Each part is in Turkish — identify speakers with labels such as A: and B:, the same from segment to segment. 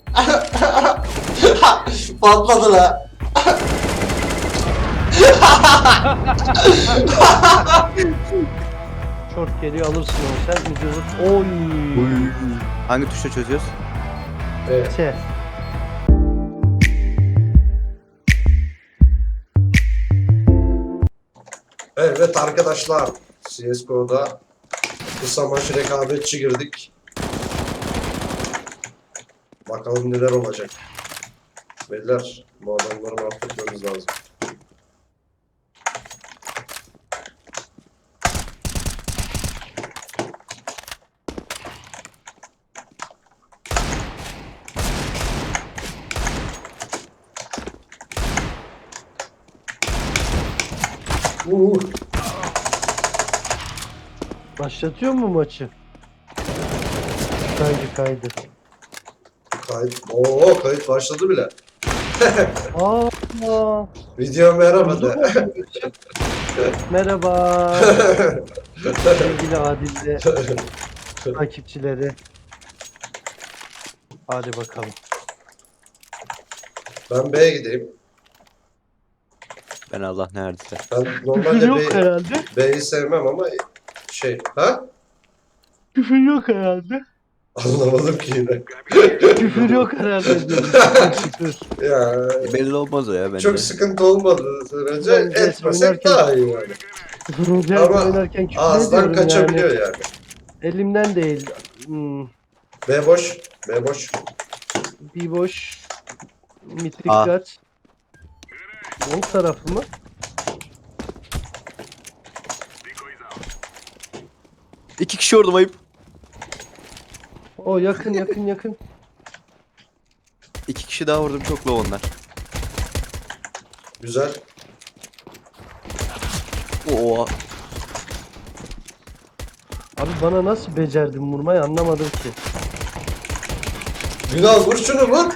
A: Patladı la.
B: Short geliyor alırsın onu sen. Videoda... Oy.
C: Hangi tuşla çözüyoruz?
A: Evet.
B: Şey.
A: Evet arkadaşlar, CSGO'da kısa maç rekabetçi girdik. Bakalım neler olacak. Beyler, bu adamları mahvetmemiz lazım.
B: Başlatıyor mu maçı? Kaydı.
A: Kayıt. Oo, kayıt başladı bile.
B: Aa.
A: Video merhaba de.
B: Merhaba. Sevgili Adil'de takipçileri. Hadi bakalım.
A: Ben B'ye gideyim.
C: Ben Allah neredeyse.
A: Ben
B: Küfür
A: normalde
B: yok herhalde.
A: B'yi sevmem ama şey, ha?
B: Küfür yok herhalde.
A: Anlamadım ki yine.
B: Küfür yok herhalde diyorum. Şükür.
A: Ya
C: Belli olmaz o ya bence.
A: çok sıkıntı olmadığı sürece
B: Ben de
A: etmesek
B: oynarken-
A: daha iyi yani.
B: Küfür
A: Ama
B: oynarken küfür
A: ağızdan
B: ediyorum
A: kaçabiliyor
B: yani.
A: yani.
B: Elimden değil. Hmm,
A: B boş, B boş.
B: bir boş. Mitrik
C: Aa.
B: kaç. Long tarafı mı?
C: İki kişi orada ayıp.
B: O yakın.
C: İki kişi daha vurdum çok low onlar.
A: Güzel.
C: Oo.
B: Abi bana nasıl becerdin vurmayı anlamadım ki.
A: Günal vur şunu vur.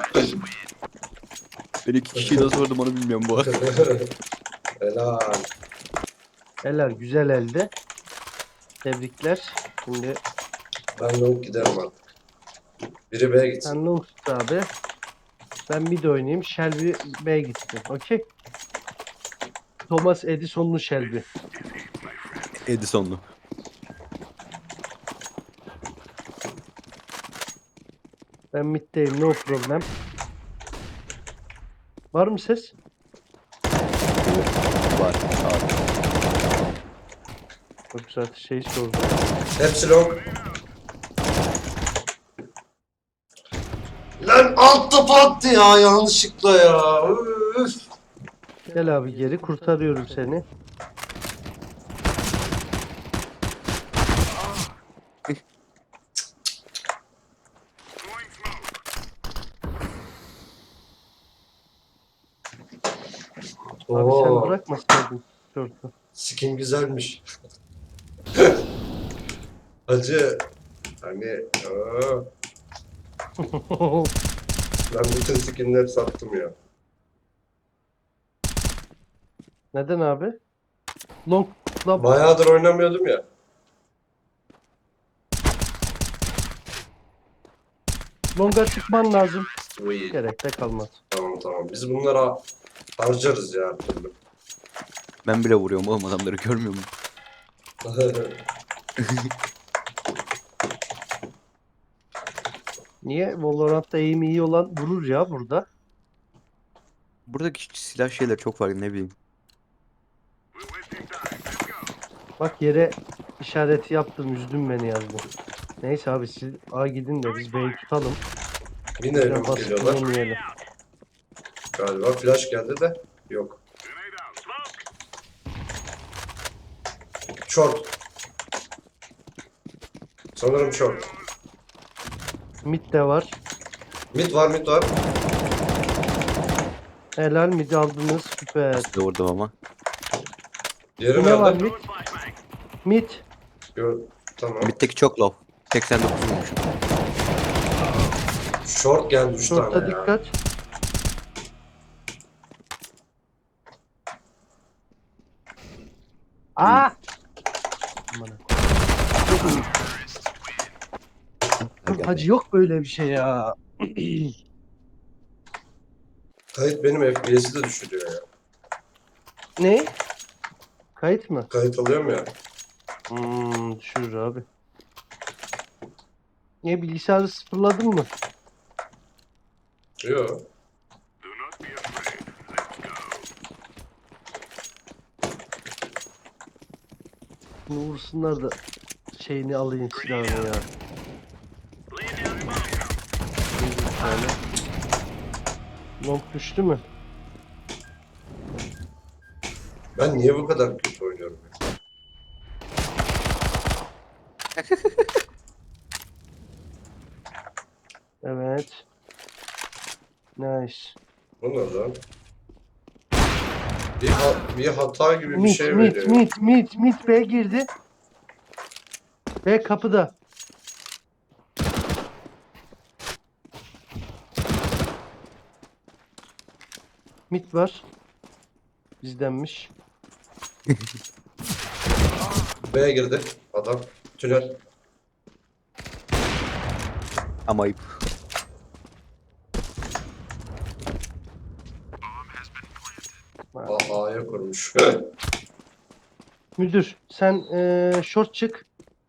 C: Ben iki kişiyi nasıl vurdum onu bilmiyorum bu arada.
A: Helal.
B: Eller güzel elde. Tebrikler. Şimdi
A: Ben long giderim artık. Biri B'ye gitsin.
B: sen long tut abi. Ben mid oynayayım. Shelby B'ye gitsin. Okey. Thomas Edison'lu Shelby.
C: Edison'lu.
B: Ben middeyim. No problem. Var mı ses?
C: Var. Sağ.
B: Çok güzel şey sordu.
A: Hepsi long. Lan alt top attı ya yanlışlıkla ya. Üf.
B: Gel abi geri kurtarıyorum seni. Abi sen
A: Oo,
B: bırakmasaydın şortu.
A: skin güzelmiş. Hacı. Hani aa, ben bütün skinleri sattım ya.
B: Neden abi? Long'la
A: Bayağıdır oynamıyordum ya.
B: Long'a çıkman lazım.
A: Uy.
B: Gerek de kalmaz.
A: Tamam. Biz bunlara harcarız ya her türlü.
C: Ben bile vuruyorum oğlum adamları görmüyor musun?
B: Niye? Valorant'ta aim iyi olan vurur ya burada.
C: Buradaki silah şeyler çok farklı ne bileyim.
B: Bak yere işareti yaptım, üzdün beni yazdın. Neyse abi siz A gidin de biz B'yi tutalım.
A: Yine
B: Biraz
A: long
B: basit
A: geliyorlar.
B: oynamayalım.
A: Galiba flash geldi de yok. Short. Sanırım short.
B: Mid de var.
A: Mid var.
B: Helal mid aldınız. Süper.
C: Size vurdum ama.
A: Diğeri
B: Ne var
A: nerede?
B: mid? Mid.
A: Tamam.
C: Mid'deki çok low. 89 vurmuşum.
A: Short geldi 3
B: Short'a
A: tane ya.
B: dikkat. Aa! Aman
C: Gel, gel.
B: Hacı yok böyle bir şey ya.
A: Kayıt benim FPS'i de düşürüyor ya.
B: Ne? Kayıt mı?
A: Kayıt alıyorum ya.
B: Düşürür abi. Niye bilgisayarı sıfırladın mı?
A: Yo.
B: Bunu vursunlar da şeyini alayım silahını ya. Bir tane. Long düştü mü?
A: Ben niye bu kadar kötü oynuyorum ya?
B: Evet. Nice.
A: Bu ne lan? Bir hata gibi bir
B: Mid,
A: şey
B: mid,
A: veriyor.
B: mid B girdi. B kapıda. Mid var. Bizdenmiş.
A: B'ye girdi adam. Tünel.
C: Ama ayıp.
A: A'ya kurmuş.
B: Müdür sen short çık.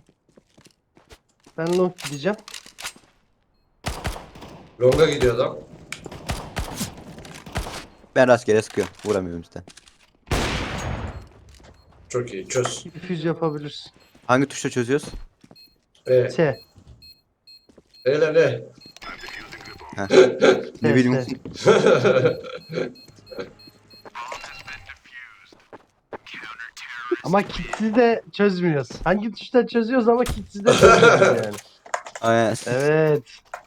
B: Ben long gideceğim.
A: Longa gidiyor adam.
C: Ben rastgele sıkıyorum. Vuramıyorum işte.
A: Çok iyi. Çöz.
B: Füz yapabilirsin.
C: Hangi tuşla çözüyoruz?
A: E.
B: T.
A: Ele ne?
C: Heh.
B: T,
C: Ne bileyim.
B: T. Ama kitsiz de çözmüyoruz. Hangi tuştan çözüyoruz ama kitsiz de çözmüyoruz yani.
C: Aynen.
B: Evet.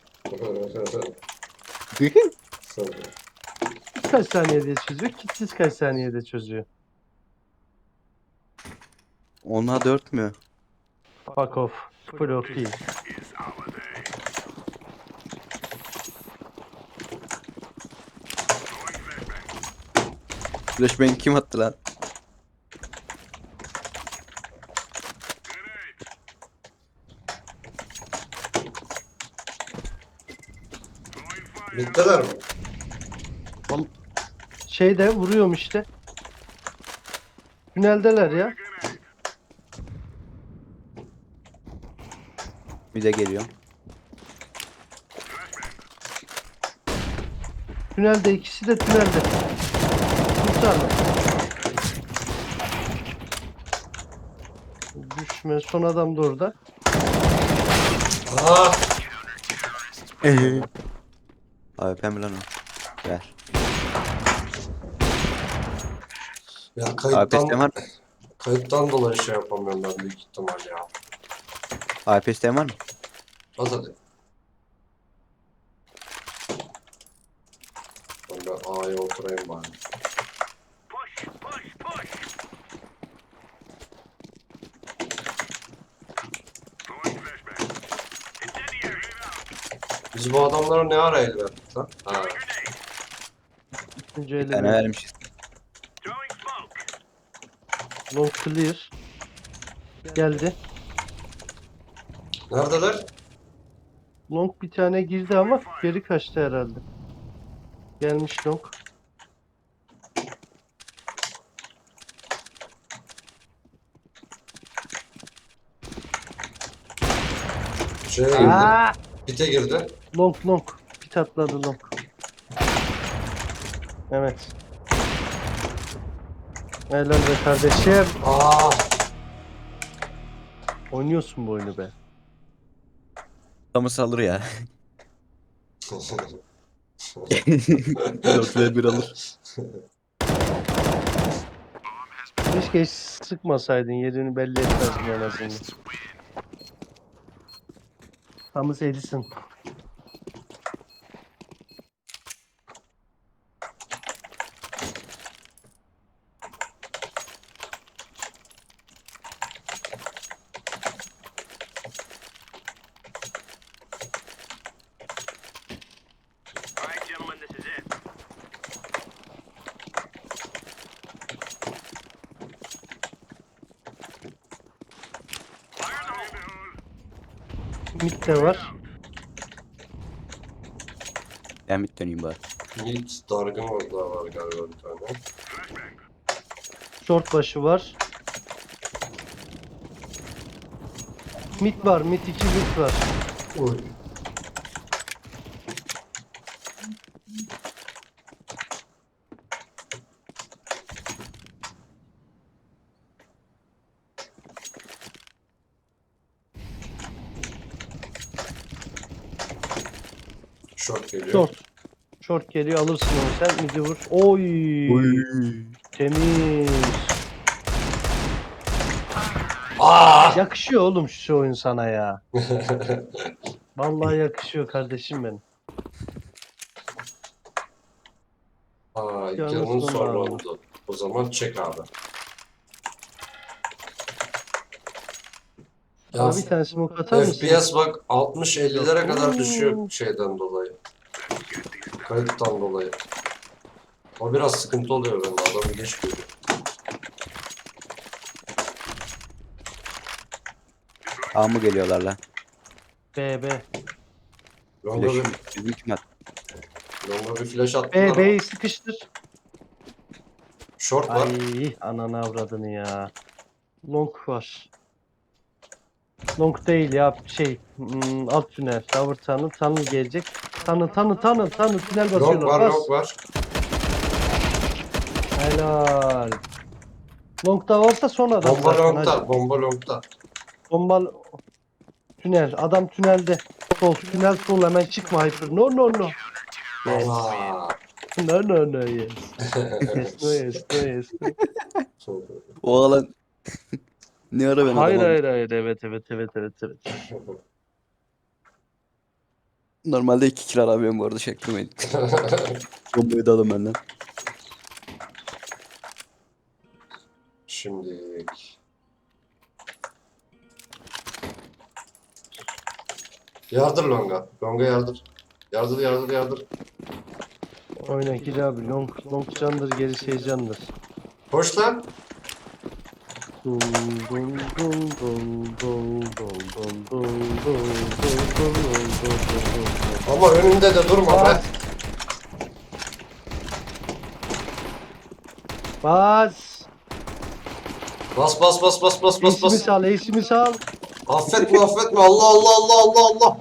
B: Kaç saniyede çözüyor? Kitsiz kaç saniyede çözüyor?
C: Ona 4 mü?
B: Fuck off. Full off değil.
C: Flashbang kim attı lan?
A: Bittiler mi?
B: Şeyde vuruyorum işte. Tüneldeler ya.
C: Bir de geliyor.
B: Tünelde ikisi de tünelde. Kurtarma. Düşme. Son adam da orada.
A: Aa!
C: Abi pembe lan o. Ver.
A: Ya
C: APS var mı?
A: kayıttan dolayı şey yapamıyorum ben büyük ihtimal ya.
C: APS var mı?
A: Az hadi. Ben A'ya oturayım bari. Biz bu adamlara ne ara el verdik lan? Ha.
B: İkinci
C: Bir
B: ele
C: tane
B: ver.
C: vermişiz.
B: Long clear. Geldi.
A: Neredeler?
B: Long bir tane girdi ama geri kaçtı herhalde. Gelmiş long.
A: Şeye girdi.
B: Aa!
A: Pite girdi.
B: Long. Pit atladı long. Evet. Helal be kardeşim.
A: Aa!
B: Oynuyorsun bu oyunu be.
C: Tamı salır ya. 4v1 alır.
B: Keşke hiç sıkmasaydın. Yerini belli etmezdin en azından. Thomas Edison. Mid de var.
C: Ben mid döneyim bari.
A: Yiğit dargın orada var galiba bir tane.
B: Short başı var. Mid var. Mid 2 mid var.
A: Oy. Short geliyor.
B: Short. Short geliyor, alırsın onu sen. Mid'i vur. Oy. Temiz.
A: Aa!
B: Yakışıyor oğlum şu oyun sana ya. Vallahi yakışıyor kardeşim benim.
A: Aa,
B: Yalnız
A: canın
B: sonra
A: sonra
B: abi.
A: oldu. O zaman çek abi. Ya
B: Abi bir tane smoke atar mısın?
A: FPS bak 60-50'lere kadar
B: Oo.
A: düşüyor şeyden dolayı. Kayıttan dolayı. O biraz sıkıntı oluyor bende. Adamı geç görüyor.
C: A mı geliyorlar lan?
B: B.
A: Longa bir,
C: Flash'ım. Bizim kim attı?
A: longa bir flash attılar ama.
B: B'yi sıkıştır.
A: Short var.
B: Ay ananı avradını ya. Long var. Long değil ya alt tünel. Tower tunnel gelecek. Tunnel tünel
A: Long
B: basıyorlar.
A: var,
B: Bas.
A: long var.
B: Helal. Long da varsa son adam
A: Bomba
B: zaten.
A: longta,
B: Hacı.
A: bomba longta.
B: Bomba tünel. Adam tünelde. Sol tünel sol hemen çıkma Hyper. No. Yes.
A: Aa.
B: No yes. Yes no.
C: O alan ne ara ben
B: Hayır
C: adamım.
B: evet.
C: Normalde 2 kill aramıyorum bu arada çaktırmayın. Bombayı da alın benden.
A: Şimdi yardır longa. Longa yardır. Yardır.
B: Oyna gir abi. Long candır gerisi heyecandır.
A: Koş lan.
B: Dum dum dum dum dum dum dum dum.
A: Ama önünde de durma be.
B: Bas.
A: Bas.
B: Ace'imi sal.
A: Affetme. Allah.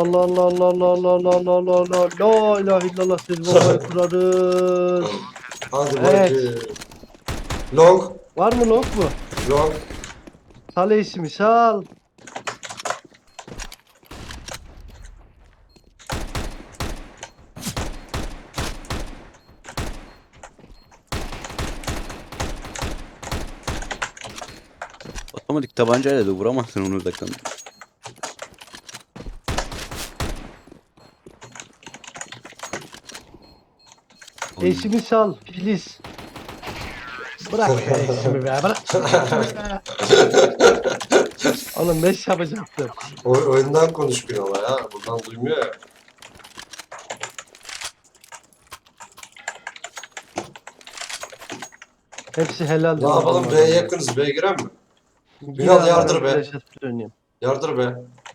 B: La ilahe illallah siz bombayı kurarız.
A: Hadi
B: Evet.
A: bakayım. Long.
B: Var mı long mu?
A: Long.
B: Sal ace'imi sal.
C: Otomatik tabancayla da vuramazsın onu uzaktan.
B: Ace'imi sal. Please. Bırak be ace'imi be. Bırak. Oğlum 5 yapacaktım.
A: Oyundan konuş bir ola ya. Buradan duymuyor ya.
B: Hepsi helal.
A: Ne yapalım? B'ye yakınız. B'ye girer mi? Ünal yardır be.
B: Flash atıp döneyim.
A: Yardır be.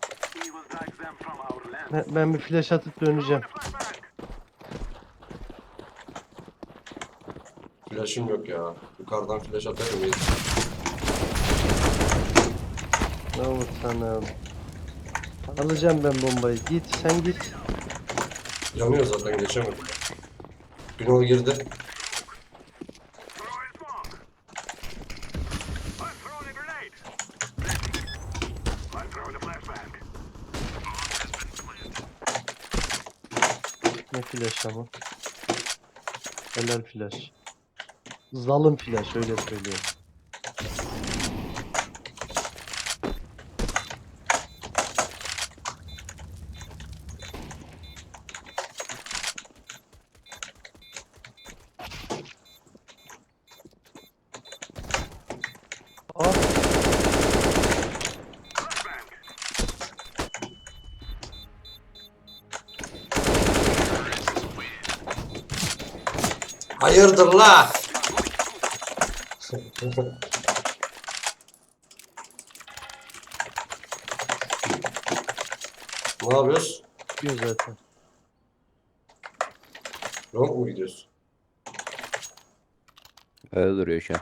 B: Ben bir flash atıp döneceğim.
A: Flash'ım yok ya. Yukarıdan flash atarım. İyi.
B: Ne olur sana. Alacağım ben bombayı. Git sen git.
A: Yanıyor zaten geçemedim. Ünal girdi.
B: Ne flash ama. Helal flash. Zalim flash öyle söylüyorum. Aa,
A: Hayırdır la? Ne yapıyoruz?
B: diyor zaten.
A: Long mu gidiyorsun?
C: Öyle duruyor şu an.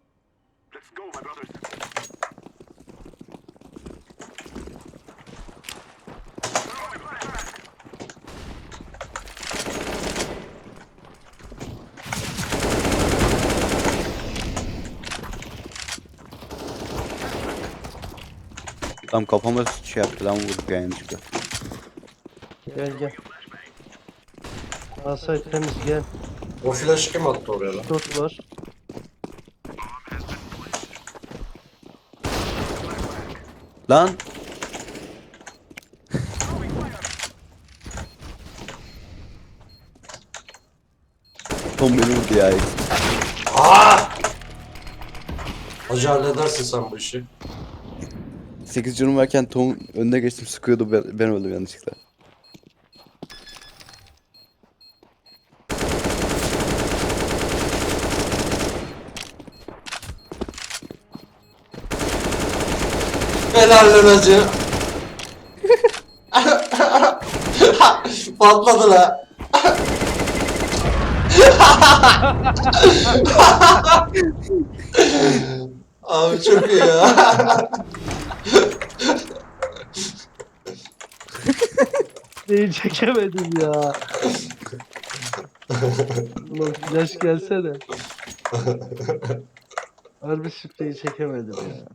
C: Tam kafama şey yaptı lan vurduk yani çıktı.
B: Gel gel. Asay temiz gel.
A: O flash kim attı oraya lan?
B: Dört var.
C: Lan! Tom beni vurdu ya.
A: Aa! Hacı halledersin sen bu işi.
C: 8 canım varken Tom önüne geçtim sıkıyordu ben öldüm yanlışlıkla.
A: Helal lan hacı. Patladı la. Abi çok iyi ya.
B: Neyi çekemedim ya. Ulan flash gelsene. Harbi spreyi çekemedim ya.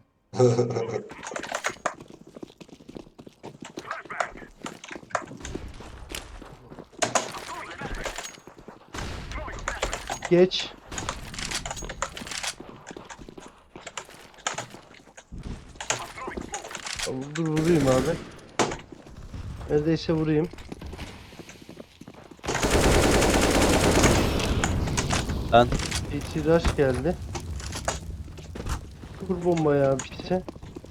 B: Geç. Tamam, dur vurayım abi. Neredeyse vurayım.
C: Lan
B: İtiraz geldi. Kur bombayı abi işte.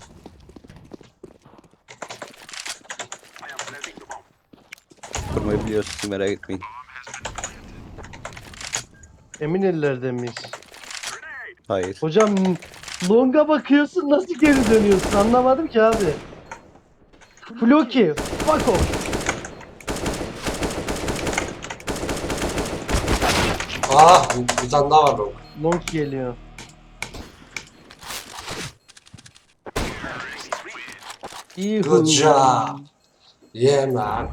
C: kurmayı biliyorsun merak etmeyin.
B: Emin ellerde miyiz?
C: Hayır.
B: Hocam longa bakıyorsun nasıl geri dönüyorsun anlamadım ki abi. Floki, fuck off.
A: Aa, bir tane daha var long.
B: Long geliyor. İyi
A: Good job. Yeah man.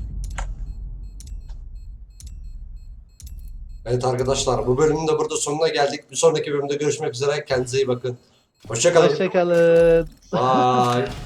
A: Evet arkadaşlar, bu bölümün de burada sonuna geldik. Bir sonraki bölümde görüşmek üzere. Kendinize iyi bakın. Hoşça kalın.
B: Hoşçakalın.
A: Bye.